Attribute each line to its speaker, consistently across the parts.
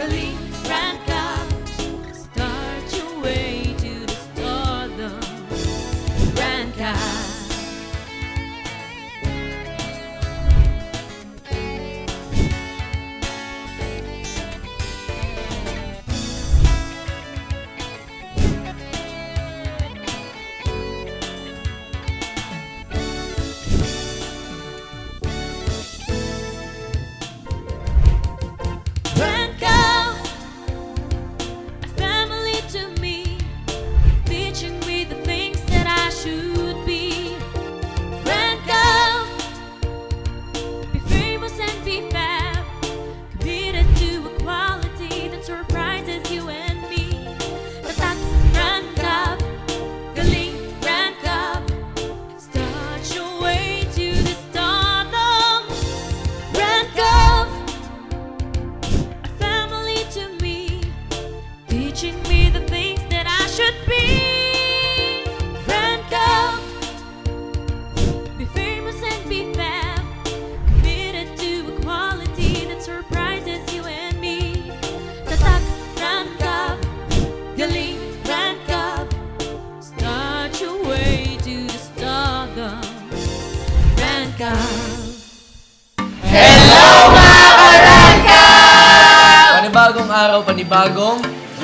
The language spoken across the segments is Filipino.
Speaker 1: galing rank up. Start your way to the stardom. Rank up. Rank up, a family to me, teaching me the things that I should be. Rank up, be famous and be fab, committed to equality that surprises you and me. Tatak, rank up, galing, rank up, start your way to the stardom. Rank up, a family to me, teaching me the things that I should be. Rank up, be famous and be fab, committed to equality that surprises you and me. Tatak, rank up, galing, rank up, start your way to the stardom. Rank up.
Speaker 2: Panibagong araw, panibagong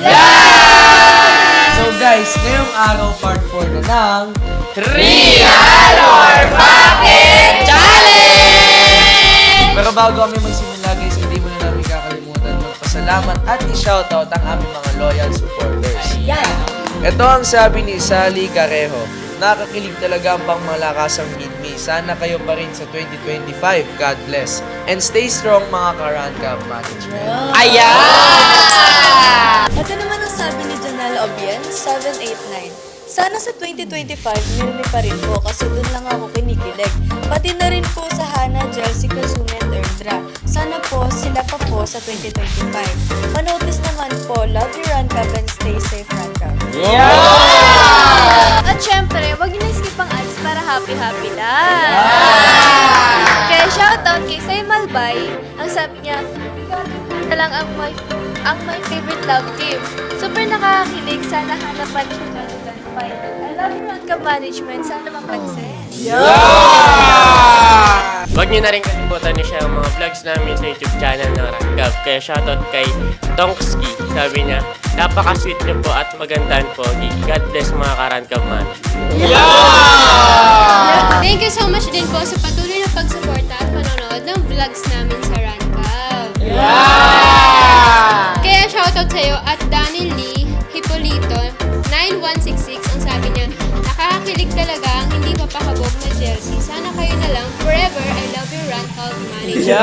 Speaker 2: So guys, ngayong araw part 4 na ng
Speaker 3: Real or Bakit Challenge!
Speaker 2: Pero bago kami magsimula guys, hindi mo na namin kakalimutan magpasalamat at i-shoutout ang aming mga loyal supporters. Ito ang sabi ni Sally Carejo. Nakakilig talaga ang pangmalakasang Meet Me. Sana kayo pa rin sa 2025. God bless. And stay strong mga Karan Cup Management.
Speaker 3: Ayan!
Speaker 4: Ito naman ang sabi ni Janelle Obien, 789. Sana sa 2025, nilmi pa rin po kasi doon lang ako kinikilig. Pati na rin po sa Hana, Chelsea, Kazumi at Erdra. Sana po sila pa po sa 2025. Panotis naman po, love you Ranka and stay safe Ranka.
Speaker 5: At syempre, wag niyo na-skip ang ads para happy-happy lang. Kaya shoutout kay Say Malbay, ang sabi niya, na lang ang my favorite love team. Super nakakakilig, sana hanapan siya 2025. I love you Ranka Management, sana mapansin.
Speaker 3: Huwag niyo na rin kalimutan niyo siya ang mga vlogs namin sa YouTube channel ng Rank Up. Kaya shoutout kay Tonkski. Sabi niya, napaka-sweet niyo po at magandang pogi. God bless mga ka-Rank Up man.
Speaker 5: Thank you so much din po sa patuloy na pagsuporta at panonood ng vlogs namin sa Rancab. Kaya shoutout sa'yo at Danny Lee Hipolito 9166. Ang sabi niya, nakakakilig talaga ang hindi mapakabog na Chelsea. Sana kayo na lang forever. I love you Rancab Manager.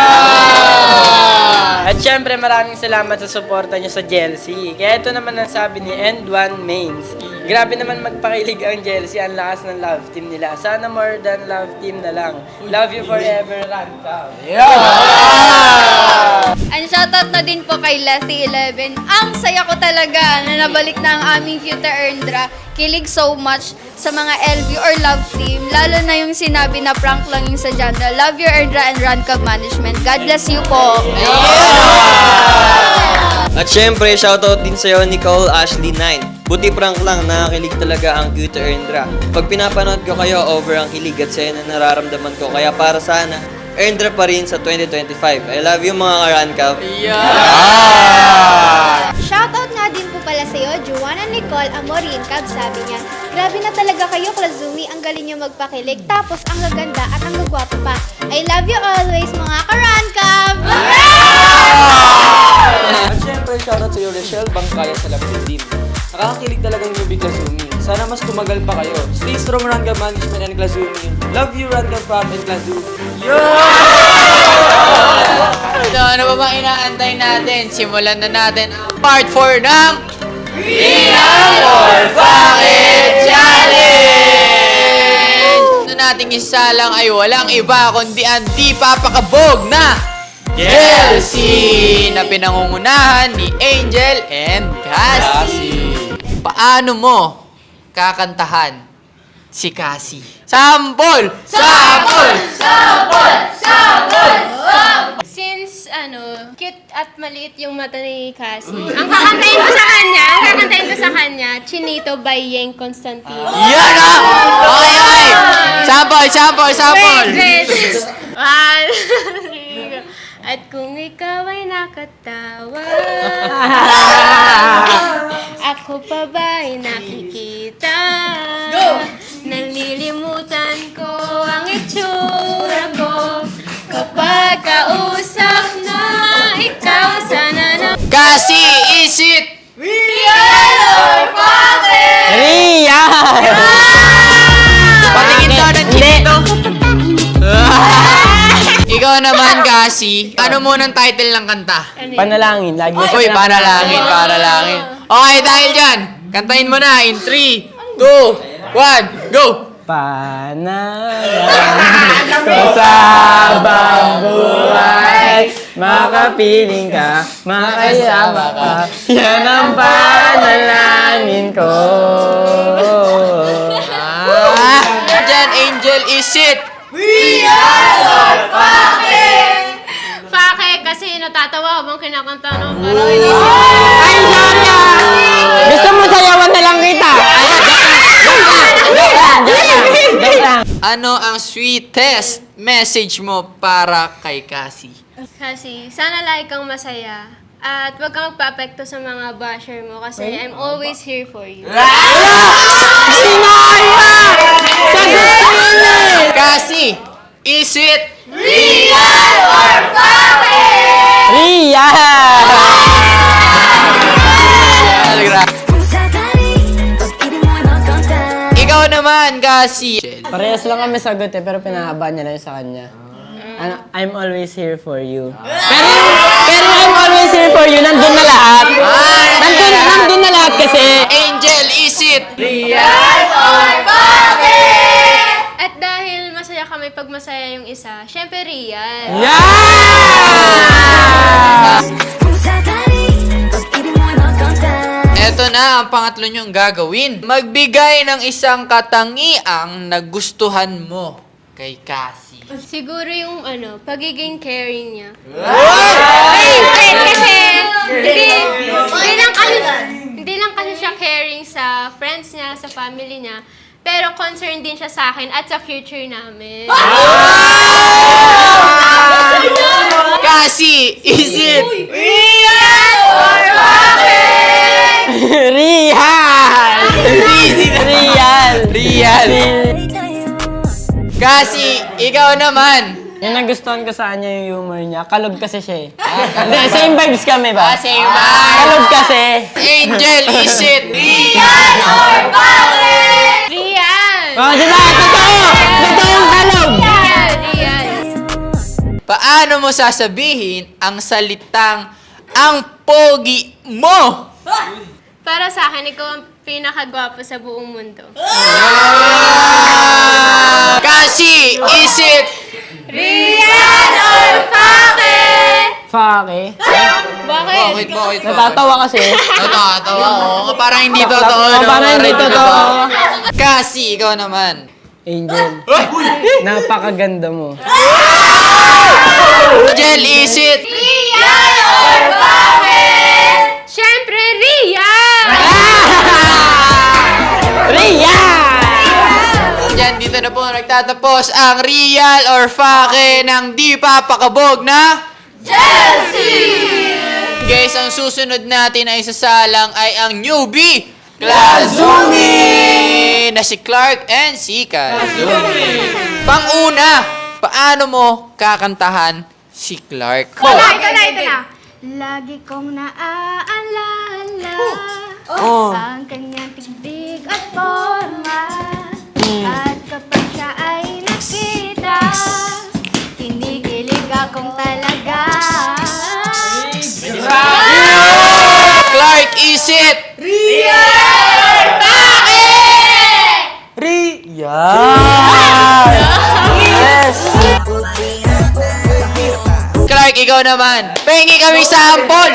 Speaker 6: At syempre maraming salamat sa suporta nyo sa Chelsea. Kaya ito naman ang sabi ni End1 Mains. Grabe naman magpakilig ang Chelsea, ang lakas ng love team nila. Sana more than love team na lang. Love you forever, Ranka.
Speaker 5: And shoutout na din po kay Lassie11. Ang saya ko talaga na nabalik na ang aming cute Erndra. Kilig so much sa mga LV or love team. Lalo na yung sinabi na prank lang yung sa genre. Love your Erndra and Rancab Management. God bless you po.
Speaker 7: At syempre, shoutout din sa'yo, Nicole Ashley 9. Buti prank lang, nakakilig talaga ang cute Erndra. Pag pinapanood ko kayo, over ang kilig at saya na nararamdaman ko. Kaya para sana, Erndra pa rin sa 2025. I love you mga ka-Rank-Up.
Speaker 5: Shoutout nga din po pala sa'yo, Joanna Nicole Amorin Cab. Sabi niya, grabe na talaga kayo, Klazumi. Ang galing niyo magpakilig. Tapos, ang gaganda at ang gagwapo pa. I love you always, mga ka-Rancab!
Speaker 2: At syempre, shoutout sa iyo, Rochelle Bangkaya sa Lapid Team. Nakakakilig talagang newbie Klazumi. Sana mas tumagal pa kayo. Stay strong, Ranka Management and Klazumi. Love you, Ranka Prop and Klazumi.
Speaker 8: So, ano ba bang inaantay natin? Simulan na natin ang part 4 ng Real or Bakit Challenge! Ano nating isa lang ay walang iba kundi ang di papakabog na Chelsea na pinangungunahan ni Angel and Cassie. Paano mo kakantahan si Cassie? Sample! Sample!
Speaker 5: Since cute at maliit yung mata ni Cassie. Ang kakantayin ko sa kanya, Chinito by Yeng Constantino.
Speaker 8: Yan ah! Okay, okay. Sample.
Speaker 5: Wait. One, at kung ikaw ay nakatawa, ako pa ba'y nakikita? Nalilimutan ko ang itsura ko kapag kausap na ikaw sana na.
Speaker 8: Cassie, is it?
Speaker 6: Ria!
Speaker 8: Patingin daw ng chinito. Ikaw naman, Cassie. Ano munang title ng kanta?
Speaker 6: Panalangin. Lagi siya
Speaker 8: Uy, panalangin. Okay, dahil dyan, kantahin mo na in 3, 2, 1, go!
Speaker 6: Panalangin ko sa habang buhay, makapiling ka, makasama ka, yan ang panalangin ko.
Speaker 8: Dyan, Angel, is it?
Speaker 5: Pake, kasi natatawa habang kinakanta ng
Speaker 6: Ay, Jana! Gusto mo sayawan na lang kita? Joke lang.
Speaker 8: Ano ang sweetest message mo para kay Cassie?
Speaker 5: Kasi sana lagi kang masaya at huwag kang magpa-apekto sa mga basher mo kasi I'm always here for you.
Speaker 8: Cassie, is it?
Speaker 6: Ria!
Speaker 8: Ikaw naman, Cassie.
Speaker 6: Parehas lang kami sagot pero pinahaba niya lang sa kanya. I'm always here for you. Pero I'm always here for you, nandun na lahat. Nandun na lahat kasi.
Speaker 8: Angel, is it?
Speaker 5: At dahil masaya kami pag masaya yung isa, syempre Rian.
Speaker 8: Eto na ang pangatlo niyong gagawin. Magbigay ng isang katangiang nagustuhan mo kay Cassie.
Speaker 5: Siguro yung pagiging caring niya. Wait, kasi hindi lang kasi siya caring sa friends niya, sa family niya, pero concerned din siya sa akin at sa future namin.
Speaker 8: Cassie, is it? Real. Cassie, ikaw naman.
Speaker 6: Yung nagustuhan ko sa kanya yung humor niya. Kalog kasi siya eh. Hindi, same vibes kami ba?
Speaker 8: Same vibe.
Speaker 6: Kalog kasi.
Speaker 8: Angel, is it?
Speaker 5: Rian!
Speaker 6: Oh, diba? Totoo! Totoong kalog!
Speaker 5: Rian!
Speaker 8: Paano mo sasabihin ang salitang ang pogi mo?
Speaker 5: Para sa akin, ikaw ang pinakagwapo sa buong mundo.
Speaker 8: Cassie, is it?
Speaker 5: Rian or Pake?
Speaker 6: Fake.
Speaker 5: Bakit?
Speaker 6: Natatawa kasi.
Speaker 8: Natatawa ko. Parang hindi totoo.
Speaker 6: Parang hindi totoo.
Speaker 8: Cassie, ikaw naman.
Speaker 6: Angel, napakaganda mo.
Speaker 8: Angel, is it?
Speaker 5: Rian or Pake? Siyempre, Rian!
Speaker 6: Ria!
Speaker 8: Diyan, dito na po nagtatapos ang real or fake ng di papakabog na Chelsea! Guys, ang susunod natin ay isasalang ay ang newbie Klazumi na si Clark and si Kazumi. Pang-una, paano mo kakantahan si Clark?
Speaker 5: Ito na. Lagi kong naaalala ang kanyang tigdig at forma. At kapag siya ay nakita, kinikilig akong talaga.
Speaker 8: Clark, is it? Clark, ikaw naman. Pengi kami sample!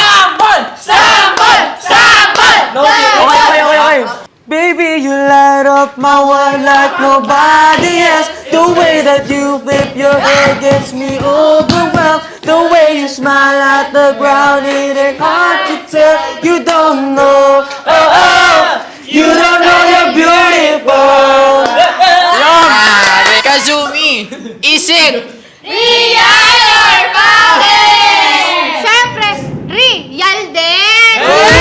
Speaker 6: Okay. Baby, you light up my world like nobody else. The way that you flip your hair gets me overwhelmed. The way
Speaker 7: you smile at the ground, it ain't hard to tell. You don't know, oh, oh, you don't know you're beautiful.
Speaker 8: Kazumi, is it?
Speaker 5: Siyempre, real din!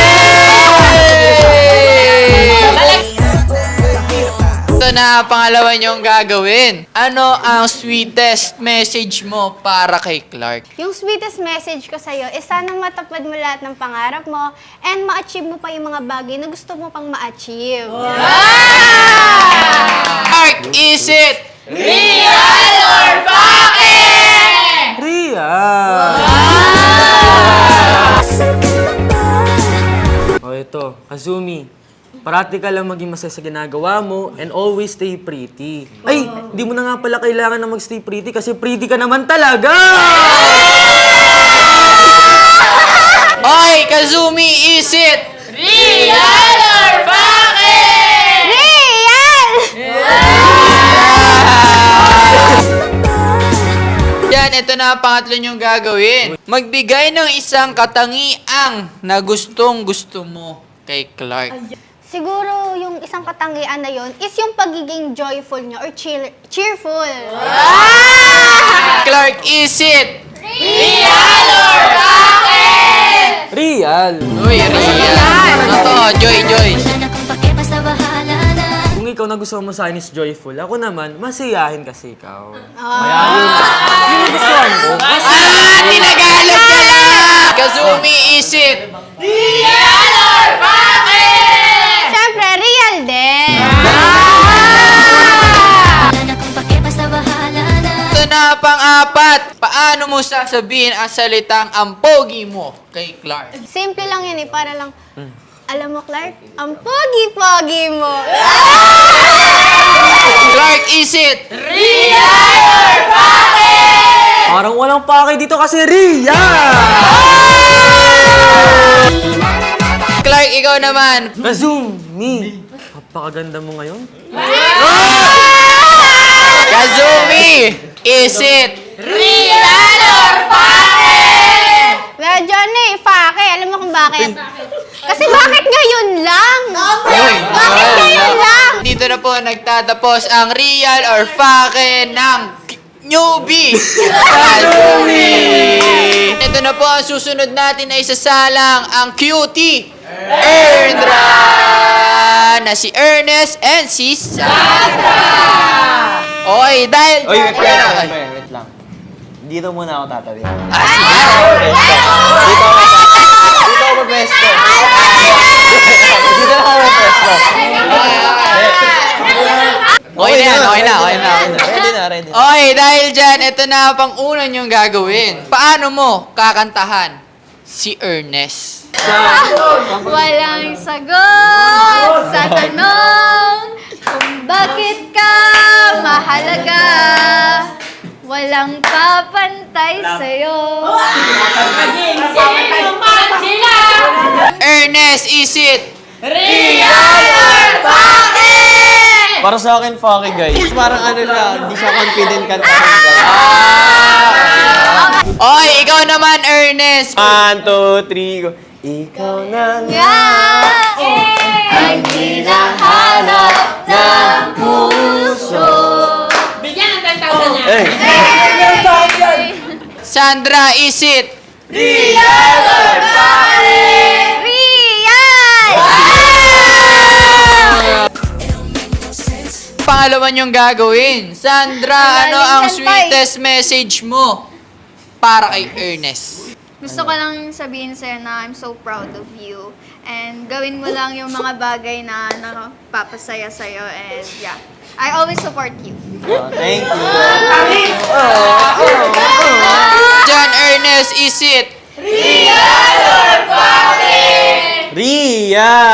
Speaker 8: Ito na ang pangalawa niyong gagawin. Ano ang sweetest message mo para kay Clark?
Speaker 5: Yung sweetest message ko sa'yo is sana matapad mo lahat ng pangarap mo and ma-achieve mo pa yung mga bagay na gusto mo pang ma-achieve.
Speaker 8: Clark, is it?
Speaker 9: O ito, Kazumi. Parati ka lang maging masaya sa ginagawa mo and always stay pretty. Ay, di mo na nga pala kailangan na mag-stay pretty kasi pretty ka naman talaga!
Speaker 8: Oy, Kazumi, is it?
Speaker 5: Real!
Speaker 8: Yan, ito na ang pangatlo niyong gagawin. Magbigay ng isang katangiang na gustong gusto mo kay Clark.
Speaker 5: Siguro yung isang katangian na yon is yung pagiging joyful niya or cheerful.
Speaker 8: Clark, is it?
Speaker 9: Real!
Speaker 8: Uy, real. Totoo, joy.
Speaker 9: Kung ikaw na gusto mo sa akin is joyful, ako naman, masiyahin kasi ikaw.
Speaker 8: Tinagalog ka na! Kazumi, is it?
Speaker 5: Siyempre, real din!
Speaker 8: Ito na pang-apat. Paano mo sasabihin ang salitang ang pogi mo kay Clark?
Speaker 5: Simple lang yun para lang, alam mo Clark, ang pogi-pogi mo.
Speaker 8: Clark, is it?
Speaker 9: Parang walang pake dito kasi real!
Speaker 8: Clark, ikaw naman.
Speaker 9: Kazumi! Napakaganda mo ngayon.
Speaker 8: Kazumi, is it?
Speaker 5: Medyo ano eh, pake. Alam mo kung bakit? Kasi bakit ngayon lang? Bakit ngayon lang?
Speaker 8: Dito na po nagtatapos ang real or fake ng newbie. Kazumi! Ito na po ang susunod natin ay isasalang ang cutie Erndra na si Ernest and si Sandra. Oy, dahil...
Speaker 7: Oy, wait lang. Dito muna ako tatawid.
Speaker 8: Sige.
Speaker 7: Dito ako mag-pesto. Dito ako mag-pesto.
Speaker 8: Okay na.
Speaker 7: Ready na.
Speaker 8: Oy, dahil dyan, ito na ang pang-una niyong gagawin. Paano mo kakantahan si Ernest?
Speaker 5: Walang sagot sa tanong kung bakit ka mahalaga. Walang papantay sa'yo.
Speaker 8: Ernest, is it?
Speaker 7: Para sa akin, fucky guys. Parang ano lang, hindi siya confident kantahin guys.
Speaker 8: Oy, ikaw naman, Ernest.
Speaker 7: 1, 2, 3, go. Ikaw na nga
Speaker 5: Ang hinahanap ng puso.
Speaker 7: Eh,
Speaker 8: Sandra, is it?
Speaker 5: Real!
Speaker 8: Pangalawa niyong gagawin. Sandra, ano ang sweetest message mo para kay Ernest?
Speaker 10: Gusto ko lang sabihin sa'yo na I'm so proud of you. And gawin mo lang yung mga bagay na nakapapasaya sa'yo. And yeah, I always support you.
Speaker 7: thank you.
Speaker 8: John, Ernest, is it?
Speaker 7: Ria!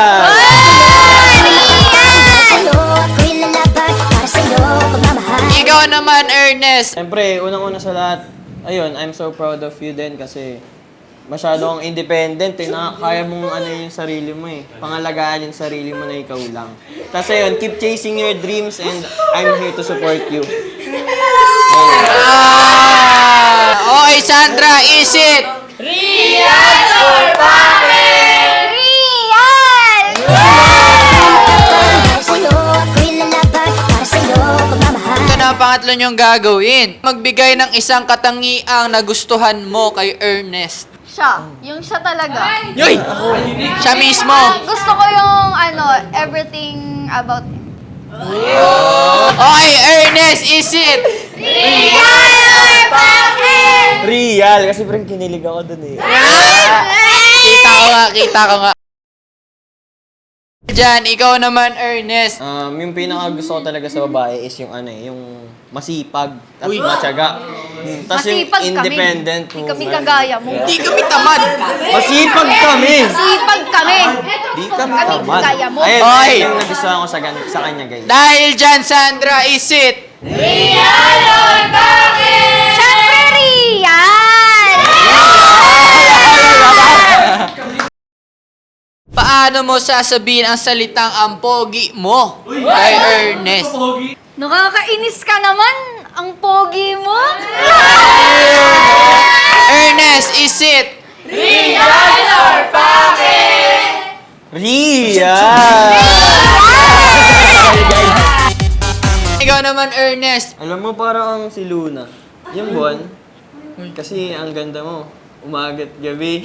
Speaker 8: Ikaw naman, Ernest.
Speaker 7: Siyempre, unang-una sa lahat, ayun, I'm so proud of you din kasi masyado kang independent eh. Kaya mong ano yung sarili mo eh. Pangalagaan yung sarili mo na ikaw lang. Tapos ayun, keep chasing your dreams and I'm here to support you.
Speaker 8: Okay, Sandra, is it? Ito na ang pangatlo niyong gagawin. Magbigay ng isang katangiang nagustuhan mo kay Ernest.
Speaker 10: Siya. Yung siya talaga.
Speaker 8: Yoy! Siya mismo.
Speaker 10: Gusto ko yung everything about him.
Speaker 8: Okay, Ernest, is it?
Speaker 9: Real, kasi parang kinilig ako dun eh.
Speaker 8: Kita ko nga. Diyan, ikaw naman, Ernest.
Speaker 7: Yung pinaka gusto ko talaga sa babae is yung yung masipag at matyaga. Tapos yung
Speaker 10: Masipag kami.
Speaker 7: independent
Speaker 10: Hindi kami kagaya mo.
Speaker 8: Di kami tamad.
Speaker 7: Masipag kami!
Speaker 10: Sipag kami.
Speaker 7: Di kami
Speaker 10: Kami
Speaker 7: tamad.
Speaker 10: kaya mo.
Speaker 7: Ayun,
Speaker 8: Oy!
Speaker 7: ayun yung nagustuhan ko sa kanya, guys.
Speaker 8: Dahil dyan, Sandra, is it?
Speaker 10: Siyempre, Rian!
Speaker 8: Paano mo sasabihin ang salitang ang pogi mo kay Ernest?
Speaker 10: Nakakainis ka naman. Ang pogi mo.
Speaker 8: Ernest, is it?
Speaker 7: Ria!
Speaker 8: Ikaw naman, Ernest.
Speaker 7: Alam mo, parang si Luna. Yung buwan. Kasi ang ganda mo. Umaga't gabi.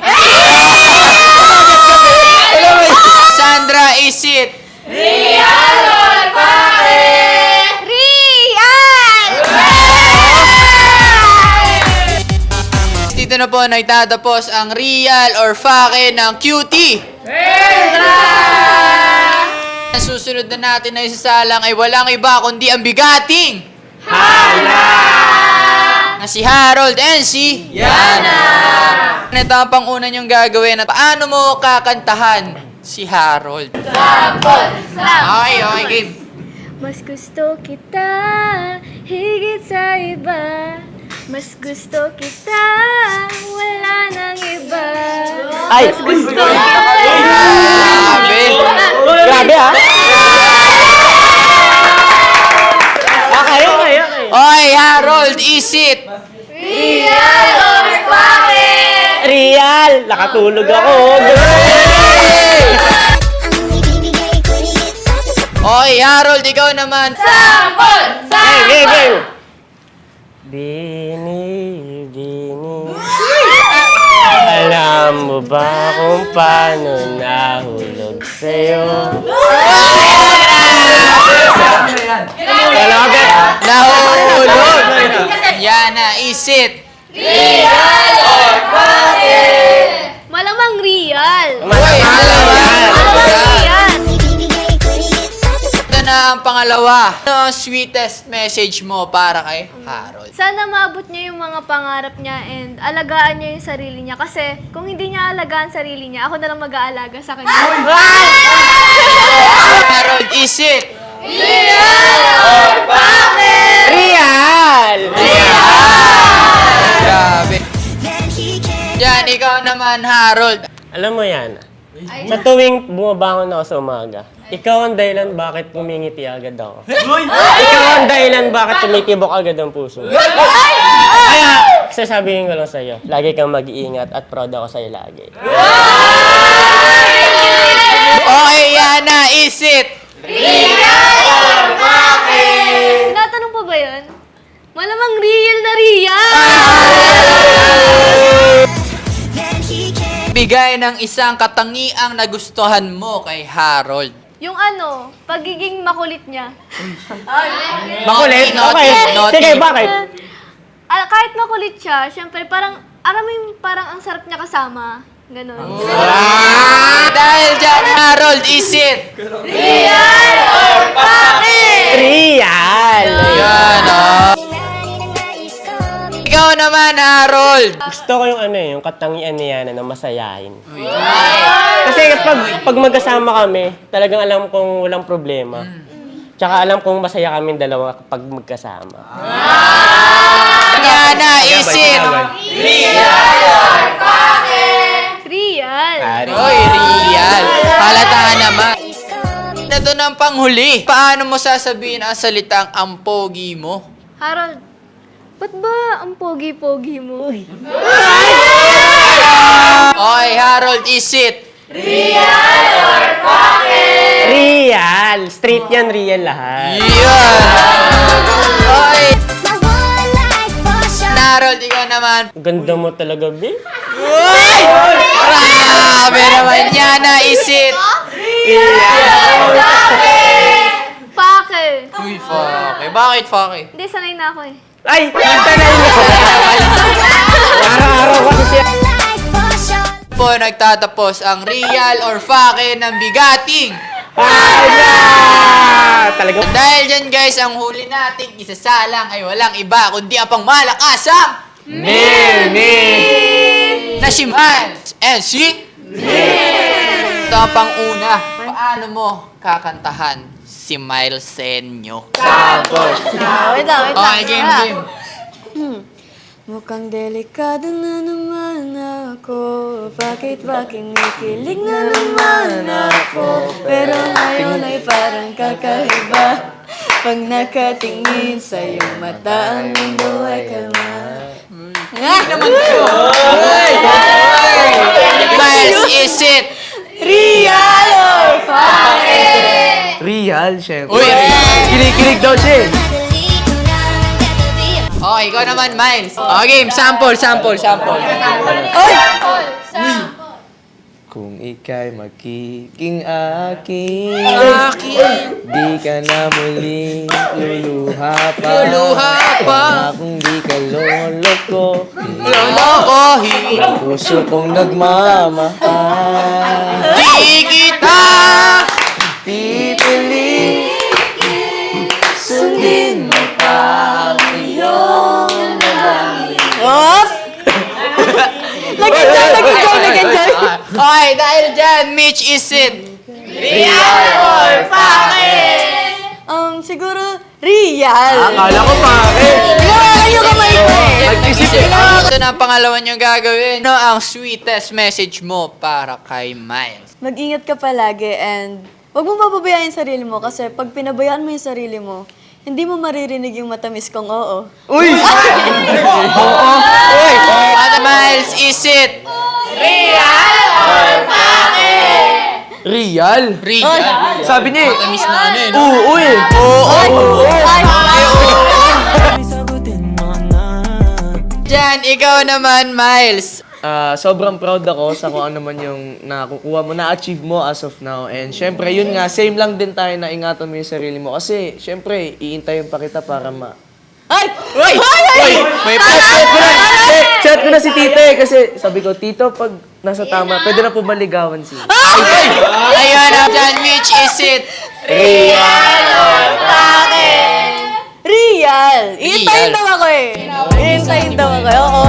Speaker 8: Sandra, is it?
Speaker 10: Rian!
Speaker 8: Dito na po nagtatapos ang real or fake ng cutie. Ang susunod na natin na isasalang ay walang iba kundi ang bigating na si Harold and si Yana. Ito ang pang-una niyong gagawin at paano mo kakantahan si Harold? Okay, game.
Speaker 5: Mas gusto kita higit sa iba. Mas gusto kita, wala nang iba.
Speaker 9: Ay!
Speaker 5: Mas gusto kita.
Speaker 8: Grabe.
Speaker 9: Grabe ah! Okay.
Speaker 8: Okay, Harold, is it?
Speaker 9: Real! Nakatulog ako.
Speaker 8: Okay, Harold, ikaw naman.
Speaker 9: Game!
Speaker 3: Bini. Alam mo ba kung paano nahulog sa'yo?
Speaker 8: Nahulog. Yana, is it?
Speaker 5: Malamang real.
Speaker 8: Malamang
Speaker 5: Real.
Speaker 8: Ito na ang pangalawa. Ano ang sweetest message mo para kay Harold?
Speaker 5: Sana maabot niya yung mga pangarap niya and alagaan niya yung sarili niya. Kasi kung hindi niya alagaan sarili niya, ako na lang mag-aalaga sa kanya.
Speaker 8: Harold, is it?
Speaker 3: Real!
Speaker 8: Grabe. Yan, ikaw naman, Harold.
Speaker 3: Alam mo yan, sa tuwing bumabangon ako sa umaga, ikaw ang dahilan bakit pumingiti agad ako. Ikaw ang dahilan bakit tumitibok agad ang puso. Kaya, sasabihin ko lang sa'yo, lagi kang mag-iingat at proud ako sa'yo lagi.
Speaker 8: Okay, Yana, is it?
Speaker 5: Tinatanong pa ba yun? Malamang real na real!
Speaker 8: Bigay ng isang katangiang nagustuhan mo kay Harold.
Speaker 5: Yung pagiging makulit niya.
Speaker 3: Makulit?
Speaker 8: Naughty,
Speaker 3: Okay.
Speaker 8: naughty.
Speaker 3: Sige, bakit?
Speaker 5: Kahit makulit siya, syempre parang, alam mo yung parang ang sarap niya kasama. Ganon.
Speaker 8: Dahil dyan, Harold, is it?
Speaker 3: Real!
Speaker 8: Yan, Ikaw naman, Harold.
Speaker 3: Gusto ko yung yung katangian niya na masayahin. Kasi pag magkasama kami, talagang alam kong walang problema. Tsaka alam kong masaya kami dalawa kapag magkasama.
Speaker 8: Yana, is it?
Speaker 5: Real!
Speaker 8: Oy, real. Halata naman. Ito na ang panghuli. Paano mo sasabihin ang salitang ang pogi mo?
Speaker 5: Harold, ba't ba ang pogi-pogi mo?
Speaker 8: Okay, Harold, is it?
Speaker 6: Real! Street yan, real lahat.
Speaker 8: Yan! Okay. Harold, ikaw naman.
Speaker 3: Ganda mo talaga, be.
Speaker 8: Grabe naman yan, is it?
Speaker 5: Fake!
Speaker 8: Uy, Fake. Bakit Fake?
Speaker 5: Hindi, sanay na ako eh.
Speaker 6: Ay! Tanay mo! Araw-araw kasi siya.
Speaker 8: Po nagtatapos ang real or Fake ng bigating.
Speaker 6: Talaga.
Speaker 8: Dahil dyan guys, ang huli nating isasalang ay walang iba kundi ang pangmalakasang na si Miles and si Ito ang pang-una. Paano mo kakantahan si Miles Senyo?
Speaker 4: Wait lang.
Speaker 8: Okay, game.
Speaker 4: Mukhang delikado na naman ako. Bakit ba kinikilig na naman ako? Pero ngayon ay parang kakaiba. Pag nakatingin sa iyong mata, ang mundo ay kalma.
Speaker 8: Miles, is it?
Speaker 4: Real or fake?
Speaker 2: Real, syempre.
Speaker 8: Uy,
Speaker 2: Kilig daw siya eh.
Speaker 8: okay, ikaw naman, Miles. Okay, sample.
Speaker 2: Kung ika'y magiging akin, di ka na muling luluha pa. Kung di ka loloko,
Speaker 8: Lolokohin.
Speaker 2: puso kong nagmamahal.
Speaker 8: Di kita
Speaker 2: Pipili, sundin mo pa ang iyong
Speaker 4: Op! Nag-enjoy!
Speaker 8: Okay, dahil dyan, Mitch, is it?
Speaker 4: Siguro, real.
Speaker 2: Akala ko bakit?
Speaker 4: Ginawa yung kamay ko eh.
Speaker 2: Nag-isip
Speaker 8: Ito na ang pangalawa niyong gagawin. Ano ang sweetest message mo para kay Miles?
Speaker 4: Mag-ingat ka palagi and huwag mo papabayaan yung sarili mo kasi pag pinabayaan mo yung sarili mo, hindi mo maririnig yung matamis kong oo.
Speaker 2: Uy!
Speaker 8: At Miles, is it?
Speaker 2: Real?
Speaker 8: Real.
Speaker 2: Sabi niya eh.
Speaker 8: Matamis na ano eh, no?
Speaker 2: Oo eh.
Speaker 8: Diyan, ikaw naman, Miles.
Speaker 2: Sobrang proud ako sa kung ano man yung nakukuha mo, na-achieve mo as of now. And syempre, yun nga, same lang din tayo na ingatan mo yung sarili mo. Kasi, syempre, iintayin pa kita para
Speaker 8: May
Speaker 2: Chat ko na si Tito eh, kasi sabi ko, Tito, pag nasa tama, pwede na po maligawan siya.
Speaker 8: Ayun na dyan, Mitch, is it?
Speaker 4: Real! Iintayin daw ako eh. Oo.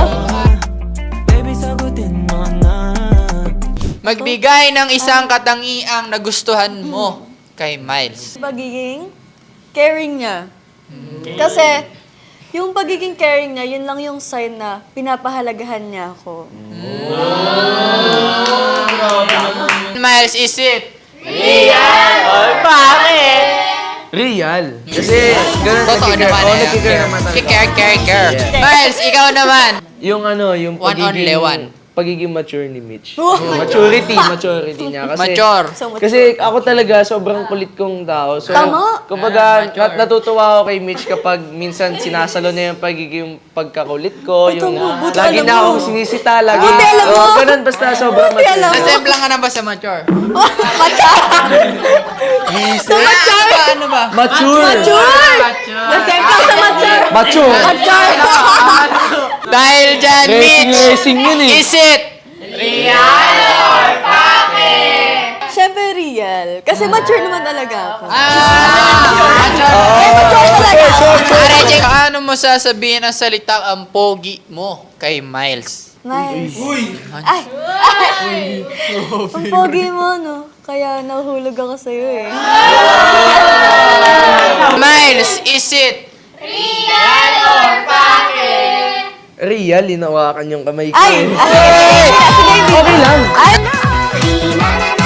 Speaker 8: Magbigay ng isang katangiang nagustuhan mo kay Miles.
Speaker 4: Pagiging caring niya. Kasi, yung pagiging caring niya, yun lang yung sign na pinapahalagahan niya ako.
Speaker 8: Miles, is it?
Speaker 2: Real. Kasi, ganun
Speaker 8: Totoo naman eh.
Speaker 2: nagkikare naman talaga.
Speaker 8: Care. Miles, ikaw naman.
Speaker 2: Yung yung
Speaker 8: One only one.
Speaker 2: pagiging mature ni Mitch. Maturity niya. Kasi,
Speaker 8: Mature.
Speaker 2: Kasi ako talaga, sobrang kulit kong tao. So,
Speaker 4: Tama.
Speaker 2: kumbaga, natutuwa ako kay Mitch kapag minsan sinasalo niya yung pagiging pagkakulit ko. Yung lagi na ako sinisita, lagi. Ganun, basta sobrang mature.
Speaker 8: Nasemplang ka na ba sa mature? Ano ba?
Speaker 2: Mature!
Speaker 4: Nasemplang sa mature.
Speaker 2: Mature!
Speaker 8: Dahil dyan, Mitch,
Speaker 2: Racing yun eh.
Speaker 8: is it?
Speaker 4: Siyempre real. Kasi mature naman talaga ako.
Speaker 8: Arejeng, paano mo sasabihin ang salitang ang pogi mo kay Miles?
Speaker 4: Nice. Ay! Ang pogi mo, no? Kaya nahulog ako sa'yo eh.
Speaker 8: Miles, is it?
Speaker 2: Real, inawakan yung kamay ko.
Speaker 4: Ay!
Speaker 2: Okay lang.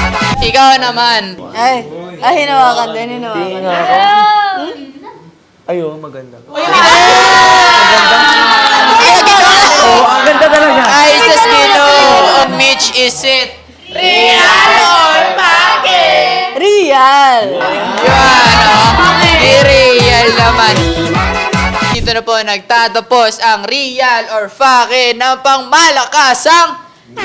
Speaker 8: Ikaw naman.
Speaker 4: Ay, hinawakan din, hinawakan.
Speaker 9: Ayo, maganda.
Speaker 6: Ang ganda talaga.
Speaker 8: Ay, sa Ginoo, Mitch, is it?
Speaker 4: Real!
Speaker 8: Yan, oh. I-real naman. Dito na po nagtatapos ang real or fake ng pangmalakasang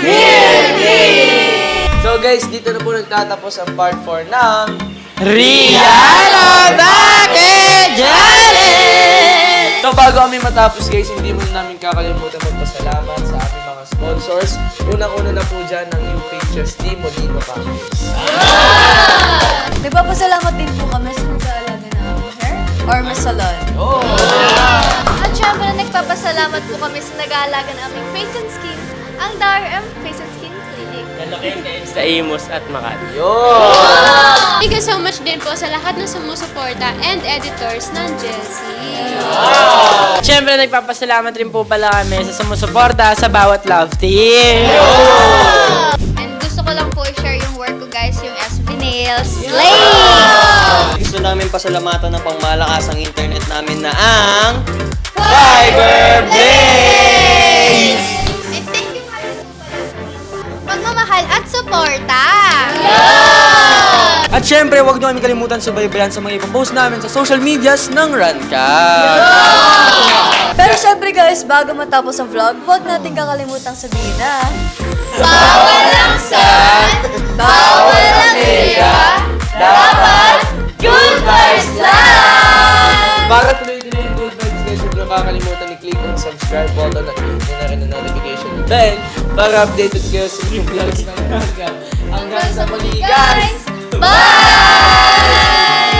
Speaker 2: So guys, dito na po nagtatapos ang part 4 ng
Speaker 8: real or fake challenge!
Speaker 2: So bago kami matapos guys, hindi muna namin kakalimutan magpasalamat sa aming mga sponsors. Unang-una na po dyan ng new pages ni Molino Campus.
Speaker 4: Nagpapasalamat din po kami sa nag-aalaga ng aming hair or mas salon.
Speaker 5: At syempre, nagpapasalamat po kami sa nag-aalaga ng aming face and skin, ang DRM Face and Skin Clinic.
Speaker 3: Sa Imus at Makati.
Speaker 1: Thank you so much din po sa lahat ng sumusuporta and editors ng Chelsea.
Speaker 6: Siyempre, nagpapasalamat rin po pala kami sa sumusuporta sa bawat love team.
Speaker 10: And gusto ko lang po i-share yung work ko guys, yung SB Nails. Slay!
Speaker 7: Gusto namin pasalamatan ng pangmalakasang internet namin na ang Fiber Blaze!
Speaker 10: And thank you nga rin po pala sa pagmamahal at suporta.
Speaker 9: At syempre, huwag niyo kami kalimutan subaybayan sa mga ipopost namin sa social medias ng Ranka.
Speaker 4: Pero syempre guys, bago matapos ang vlog, huwag natin kakalimutang sabihin na
Speaker 10: Bawal ang sun, bawal ang hiya, dapat good vibes lang!
Speaker 2: Para tuloy-tuloy yung good vibes guys, huwag niyo kakalimutan i-click ang subscribe button at i-hit na rin ang notification bell para updated kayo sa new vlogs ng Ranka. Hanggang sa muli guys!
Speaker 10: Bye!